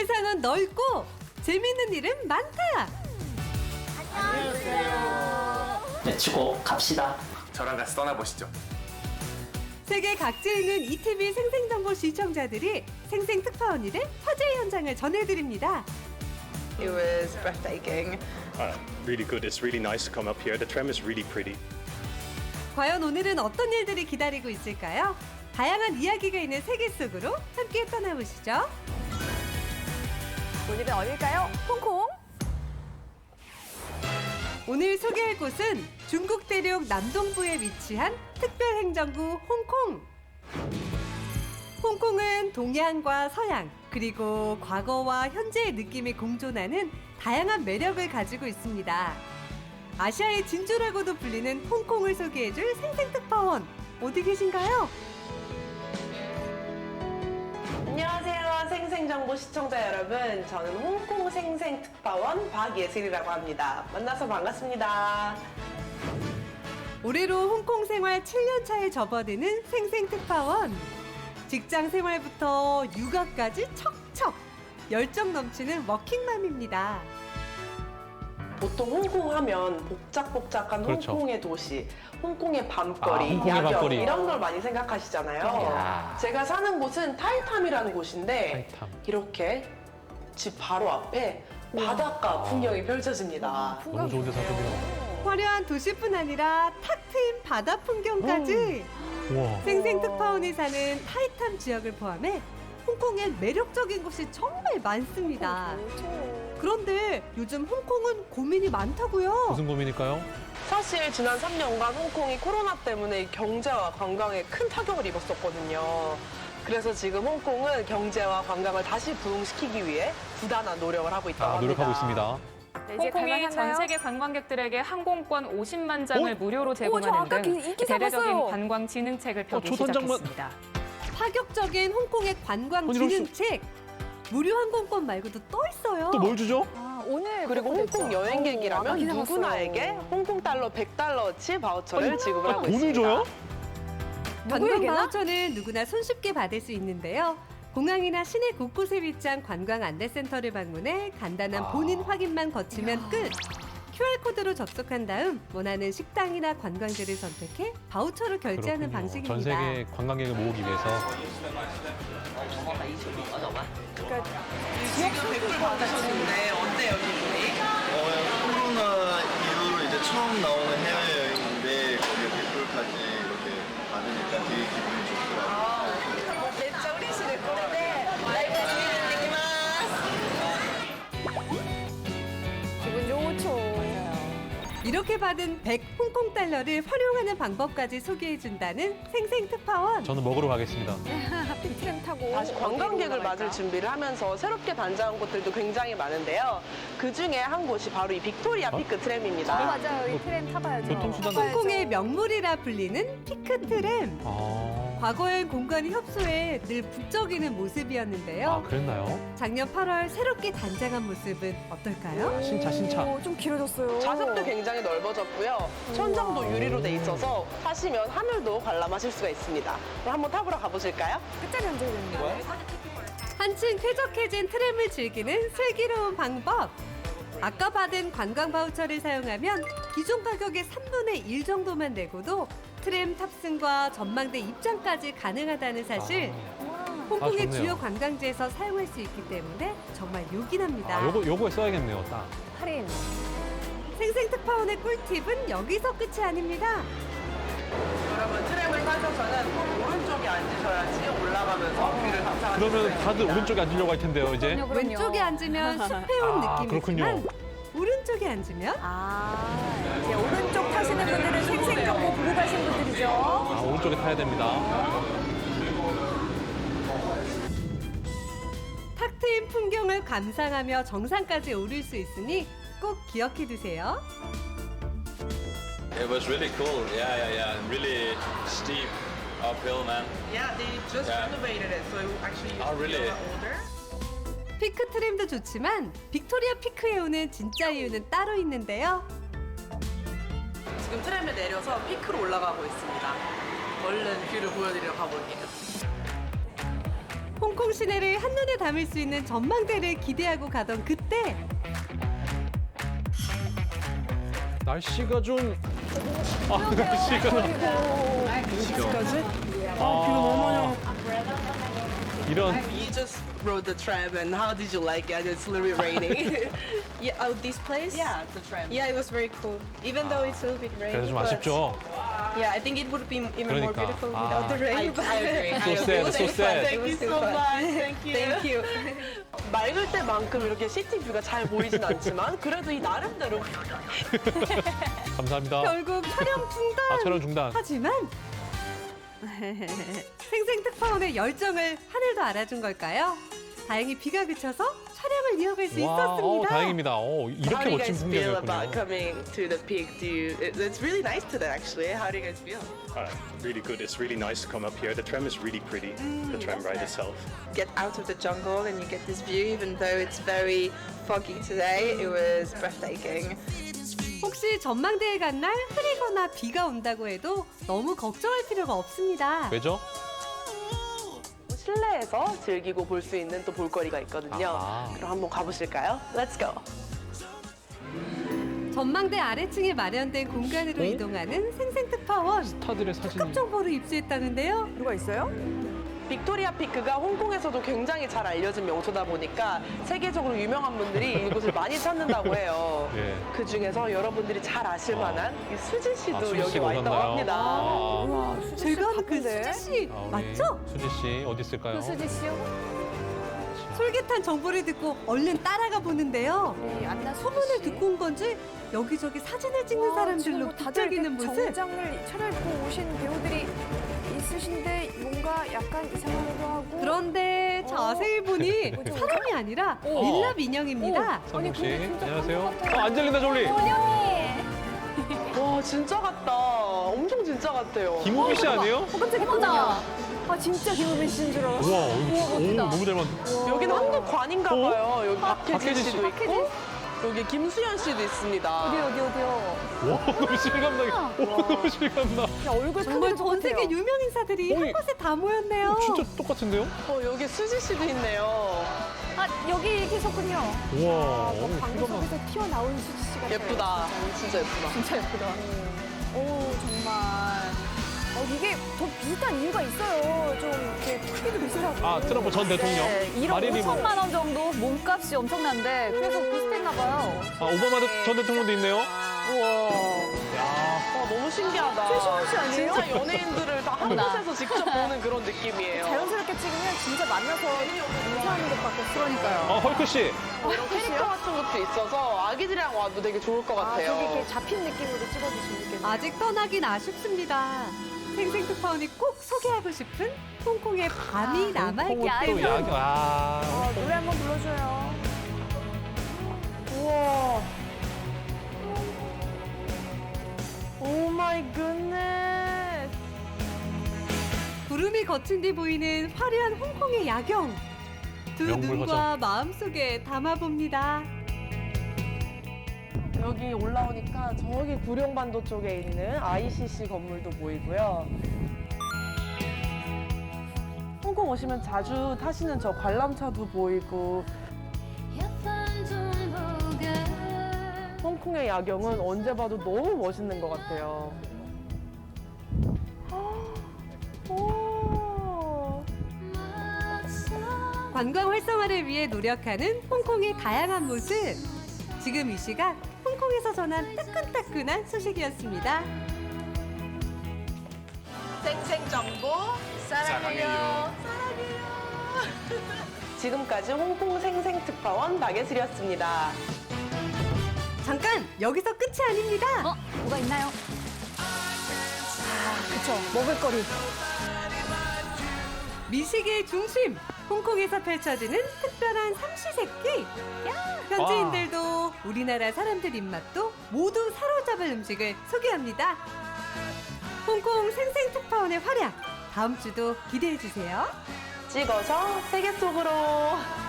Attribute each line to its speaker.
Speaker 1: 세상은 넓고 재밌는 일은 많다.
Speaker 2: 외치고 갑시다.
Speaker 3: 저랑 같이 떠나보시죠.
Speaker 1: 세계 각지에 있는 ETV 생생정보 시청자들이 생생특파원일의 화제 현장을 전해드립니다.
Speaker 4: It was breathtaking.
Speaker 5: Really good. It's really nice to come up here. The tram is really pretty.
Speaker 1: 과연 오늘은 어떤 일들이 기다리고 있을까요? 다양한 이야기가 있는 세계 속으로 함께 떠나보시죠.
Speaker 6: 오늘은 어딜까요? 홍콩?
Speaker 1: 오늘 소개할 곳은 중국 대륙 남동부에 위치한 특별행정구 홍콩. 홍콩은 동양과 서양, 그리고 과거와 현재의 느낌이 공존하는 다양한 매력을 가지고 있습니다. 아시아의 진주라고도 불리는 홍콩을 소개해줄 생생특파원, 어디 계신가요?
Speaker 4: 안녕하세요, 생생정보 시청자 여러분. 저는 홍콩 생생특파원 박예슬이라고 합니다. 만나서 반갑습니다.
Speaker 1: 올해로 홍콩 생활 7년 차에 접어드는 생생특파원. 직장 생활부터 육아까지 척척 열정 넘치는 워킹맘입니다.
Speaker 4: 보통 홍콩 하면 복작복작한
Speaker 7: 그렇죠.
Speaker 4: 홍콩의 도시, 홍콩의 밤거리,
Speaker 7: 홍콩의
Speaker 4: 야경
Speaker 7: 밤거리.
Speaker 4: 이런 걸 많이 생각하시잖아요.
Speaker 7: 야.
Speaker 4: 제가 사는 곳은 타이탐이라는 곳인데
Speaker 7: 타이탐.
Speaker 4: 이렇게 집 바로 앞에 바닷가 풍경이 펼쳐집니다.
Speaker 7: 너무 좋은 데 사셨네요.
Speaker 1: 화려한 도시뿐 아니라 탁 트인 바다 풍경까지.
Speaker 7: 우와.
Speaker 1: 생생특파원이 사는 타이탐 지역을 포함해 홍콩엔 매력적인 곳이 정말 많습니다. 그런데 요즘 홍콩은 고민이 많다고요.
Speaker 7: 무슨 고민일까요?
Speaker 4: 사실 지난 3년간 홍콩이 코로나 때문에 경제와 관광에 큰 타격을 입었었거든요. 그래서 지금 홍콩은 경제와 관광을 다시 부흥시키기 위해 부단한 노력을 하고 있다고 합니다.
Speaker 7: 노력하고 있습니다.
Speaker 6: 네, 이제
Speaker 8: 홍콩이 전
Speaker 6: 갈만한가요?
Speaker 8: 세계 관광객들에게 항공권 50만 장을 무료로
Speaker 6: 저 아까
Speaker 8: 제공하는 등
Speaker 6: 이 기사
Speaker 8: 대대적인
Speaker 6: 봤어요.
Speaker 8: 관광 진흥책을 펴기
Speaker 7: 초선장만-
Speaker 8: 시작했습니다.
Speaker 1: 파격적인 홍콩의 관광
Speaker 7: 아니, 이럴 수-
Speaker 1: 진흥책. 무료 항공권 말고도 또 있어요.
Speaker 7: 또 뭘 주죠?
Speaker 6: 아, 오늘
Speaker 4: 그리고
Speaker 6: 그거
Speaker 4: 홍콩
Speaker 6: 됐죠?
Speaker 4: 여행객이라면
Speaker 6: 아까 기사
Speaker 4: 누구나에게
Speaker 6: 봤어요.
Speaker 4: 홍콩 달러 100달러치 바우처를 지급을 하고
Speaker 7: 돈을
Speaker 4: 있습니다.
Speaker 7: 줘요?
Speaker 1: 관광
Speaker 6: 누구에게나?
Speaker 1: 바우처는 누구나 손쉽게 받을 수 있는데요. 공항이나 시내 곳곳에 위치한 관광 안내센터를 방문해 간단한 본인 확인만 거치면 끝. QR코드로 접속한 다음 원하는 식당이나 관광지를 선택해 바우처로 결제하는
Speaker 7: 그렇군요.
Speaker 1: 방식입니다.
Speaker 7: 전 세계 관광객을 모으기 위해서.
Speaker 4: 지금 댓글 받으셨는데 어때요, 기분이?
Speaker 9: 코로나 이후로 이제 처음 나오는 해외여행인데 거기에 댓글까지 이렇게 받으니까 되게 기분이 좋더라고요.
Speaker 4: 진짜 우리시는 거는데
Speaker 6: 기분 좋죠.
Speaker 1: 이렇게 받은 100 홍콩 달러를 활용하는 방법까지 소개해준다는 생생특파원.
Speaker 7: 저는 먹으러 가겠습니다.
Speaker 6: 트램 타고
Speaker 4: 다시 관광객을 맞을 준비를 하면서 새롭게 단장한 곳들도 굉장히 많은데요. 그 중에 한 곳이 바로 이 빅토리아 피크 트램입니다.
Speaker 6: 맞아요. 이 트램 타봐야죠.
Speaker 7: 교통수단-
Speaker 1: 홍콩의 명물이라 불리는 피크트램.
Speaker 7: 아,
Speaker 1: 과거엔 공간이 협소해 늘 북적이는 모습이었는데요.
Speaker 7: 그랬나요?
Speaker 1: 작년 8월 새롭게 단장한 모습은 어떨까요?
Speaker 7: 신차.
Speaker 6: 오, 좀 길어졌어요.
Speaker 4: 좌석도 굉장히 넓어졌고요. 천장도 유리로 돼 있어서 타시면 하늘도 관람하실 수가 있습니다. 그럼 한번 타보러 가보실까요?
Speaker 6: 끝자리 앉아야 되는 거예요?
Speaker 1: 한층 쾌적해진 트램을 즐기는 슬기로운 방법. 아까 받은 관광 바우처를 사용하면 기존 가격의 3분의 1 정도만 내고도 트램 탑승과 전망대 입장까지 가능하다는 사실. 홍콩의
Speaker 7: 좋네요.
Speaker 1: 주요 관광지에서 사용할 수 있기 때문에 정말 요긴합니다.
Speaker 7: 요거에 써야겠네요, 딱.
Speaker 6: 할인.
Speaker 1: 생생특파원의 꿀팁은 여기서 끝이 아닙니다.
Speaker 4: 여러분 트램을 타셔서는 오른쪽에 앉으셔야지 올라가면서 뷰를 감상하실 수가
Speaker 7: 그러면 다들
Speaker 4: 있습니다.
Speaker 7: 오른쪽에 앉으려고 할 텐데요, 이제.
Speaker 6: 그럼요.
Speaker 1: 왼쪽에 앉으면 숲에 온
Speaker 7: 아,
Speaker 1: 느낌이지만 오른쪽에 앉으면
Speaker 6: 아, 이제 오른쪽 타시는 분들은 생생정보 보고 가신 분들이죠.
Speaker 7: 아, 오른쪽에 타야 됩니다.
Speaker 1: 탁 트인 풍경을 감상하며 정상까지 오를 수 있으니 꼭 기억해 두세요.
Speaker 10: It was really cool. Yeah. Really steep uphill, man.
Speaker 4: Yeah, they just
Speaker 10: Yeah.
Speaker 4: renovated it, so it actually used
Speaker 10: Oh,
Speaker 4: to be a
Speaker 10: really?
Speaker 4: lot older.
Speaker 1: 피크 트램도 좋지만 빅토리아 피크에 오는 진짜 이유는 따로 있는데요.
Speaker 4: 지금 트램에 내려서 피크로 올라가고 있습니다. 얼른 뷰를 보여드리러 가볼게요.
Speaker 1: 홍콩 시내를 한눈에 담을 수 있는 전망대를 기대하고 가던 그때
Speaker 7: 날씨가 좀. 날씨가. 이런.
Speaker 4: You just rode the tram and how did you like it? It's a little bit raining.
Speaker 6: Yeah, oh, this place?
Speaker 4: Yeah, the tram.
Speaker 6: Yeah, it was very cool. Even though it's a little bit rainy.
Speaker 7: 그래서 좀
Speaker 6: but
Speaker 7: 아쉽죠.
Speaker 6: Yeah, I think it would be even more
Speaker 7: 그러니까.
Speaker 6: beautiful without the rain.
Speaker 4: I agree.
Speaker 7: So sad, so sad.
Speaker 4: Thank you so much. Thank you.
Speaker 6: Thank you.
Speaker 4: 맑을 때만큼 이렇게 시티 뷰가 잘 보이진 않지만 그래도 이 나름대로
Speaker 7: 감사합니다.
Speaker 1: 결국 촬영 중단.
Speaker 7: 촬영 중단.
Speaker 1: 하지만 생생특파원의 열정을 하늘도 알아준 걸까요? 다행히 비가 그쳐서 촬영을 이어갈 수 있었습니다.
Speaker 7: 다행입니다.
Speaker 4: How
Speaker 7: 이렇게
Speaker 4: do you
Speaker 7: 멋진
Speaker 4: guys feel
Speaker 7: 풍경이었군요.
Speaker 4: about coming to the peak? It's really nice today actually. How do you guys feel?
Speaker 5: Really good. It's really nice to come up here. The tram is really pretty. The tram ride itself.
Speaker 6: Get out of the jungle and you get this view, even though it's very foggy today. It was breathtaking.
Speaker 1: 혹시 전망대에 간 날 흐리거나 비가 온다고 해도 너무 걱정할 필요가 없습니다.
Speaker 7: 왜죠?
Speaker 4: 실내에서 즐기고 볼 수 있는 또 볼거리가 있거든요.
Speaker 7: 아하.
Speaker 4: 그럼 한번 가보실까요? Let's go.
Speaker 1: 전망대 아래층에 마련된 공간으로 이동하는 생생특파원.
Speaker 7: 스타들의
Speaker 1: 특급
Speaker 7: 사진이.
Speaker 1: 정보를 입수했다는데요.
Speaker 6: 누가 있어요?
Speaker 4: 빅토리아 피크가 홍콩에서도 굉장히 잘 알려진 명소다 보니까 세계적으로 유명한 분들이 이곳을 많이 찾는다고 해요.
Speaker 7: 예.
Speaker 4: 그 중에서 여러분들이 잘 아실 만한 이 수지 씨도
Speaker 7: 수지
Speaker 4: 여기
Speaker 7: 씨가
Speaker 4: 와 있다고
Speaker 7: 오셨나요?
Speaker 4: 합니다.
Speaker 6: 와,
Speaker 1: 제가 아는 그 수지 씨
Speaker 7: 우리
Speaker 1: 맞죠?
Speaker 7: 수지 씨 어디 있을까요?
Speaker 6: 수지 씨요?
Speaker 1: 솔깃한 정보를 듣고 얼른 따라가 보는데요.
Speaker 6: 네, 안나
Speaker 1: 소문을 듣고 온 건지 여기저기 사진을 찍는 사람들로 부쩍이는 모습.
Speaker 6: 정장을 차려입고 오신 배우들이 있으신데 뭔가 약간 이상하기도 하고.
Speaker 1: 그런데 자세히 보니
Speaker 6: 뭐죠?
Speaker 1: 사람이 아니라 밀랍 인형입니다.
Speaker 7: 선웅 씨,
Speaker 6: 근데 진짜
Speaker 7: 안녕하세요.
Speaker 6: 그런 것
Speaker 7: 안젤리나 졸리.
Speaker 4: 와 진짜 같다. 엄청 진짜 같아요.
Speaker 7: 김우빈 씨 아니에요?
Speaker 6: 깜짝이야. 어머나. 아 진짜 김우빈 씨인 줄 알았어.
Speaker 7: 우와, 너무 잘 만든.
Speaker 4: 여기는 한국관인가 봐요. 여기 박혜진
Speaker 7: 박혜진
Speaker 4: 씨도 있고 여기 김수현 씨도 있습니다.
Speaker 6: 어디요?
Speaker 7: 와, 너무 실감나게. 너무 실감나.
Speaker 6: 야, 얼굴
Speaker 1: 정말
Speaker 6: 크기도
Speaker 1: 전 세계
Speaker 6: 똑같아요.
Speaker 1: 유명 인사들이
Speaker 7: 어이.
Speaker 1: 한 곳에 다 모였네요.
Speaker 7: 진짜 똑같은데요?
Speaker 4: 여기 수지 씨도 있네요.
Speaker 6: 아 여기 계셨군요.
Speaker 7: 우와,
Speaker 6: 방송국에서 튀어나온 수지 씨 같아요.
Speaker 4: 예쁘다. 진짜 예쁘다.
Speaker 6: 진짜 예쁘다. 오 정말. 이게 더 비슷한 이유가 있어요. 좀 이렇게 크기도 비슷하고.
Speaker 7: 트럼프 전 대통령.
Speaker 6: 네, 1억
Speaker 7: 마릴린
Speaker 6: 5천만 원 정도 몸값이 엄청난데 그래서 비슷했나 봐요.
Speaker 7: 오바마 전 대통령도 있네요.
Speaker 6: 우와.
Speaker 7: 야,
Speaker 4: 와 너무 신기하다.
Speaker 6: 최시원 씨 아니에요?
Speaker 4: 진짜 연예인들을 다 한 곳에서 직접 보는 그런 느낌이에요.
Speaker 6: 자연스럽게 찍으면 진짜 만나서 인사하는 것밖에 그러니까요.
Speaker 7: 헐크 씨.
Speaker 4: 이런 캐릭터 같은 것도 있어서 아기들이랑 와도 되게 좋을 것 같아요.
Speaker 6: 저기 이렇게 잡힌 느낌으로 찍어주시면 좋겠네요.
Speaker 1: 아직 떠나긴 아쉽습니다. 생생특파원이 꼭 소개하고 싶은 홍콩의 밤이 남아있기
Speaker 7: 또
Speaker 1: 때문에
Speaker 7: 야경.
Speaker 6: 노래 한번 불러줘요.
Speaker 4: 우와. 오 마이 굿네스.
Speaker 1: 구름이 거친 뒤 보이는 화려한 홍콩의 야경. 두
Speaker 7: 명물
Speaker 1: 눈과 마음속에 담아봅니다.
Speaker 4: 여기 올라오니까 저기 구룡반도 쪽에 있는 ICC 건물도 보이고요. 홍콩 오시면 자주 타시는 저 관람차도 보이고 홍콩의 야경은 언제 봐도 너무 멋있는 것 같아요. 오.
Speaker 1: 관광 활성화를 위해 노력하는 홍콩의 다양한 모습. 지금 이 시각 홍콩에서 전한 따끈따끈한 소식이었습니다.
Speaker 4: 생생정보 사랑해요. 지금까지 홍콩 생생특파원 박예슬이었습니다.
Speaker 1: 잠깐 여기서 끝이 아닙니다.
Speaker 6: 뭐가 있나요? 그쵸. 먹을거리.
Speaker 1: 미식의 중심 홍콩에서 펼쳐지는 특별한 삼시세끼. 현지인들도 우리나라 사람들 입맛도 모두 사로잡을 음식을 소개합니다. 홍콩 생생특파원의 활약 다음 주도 기대해 주세요.
Speaker 4: 찍어서 세계 속으로.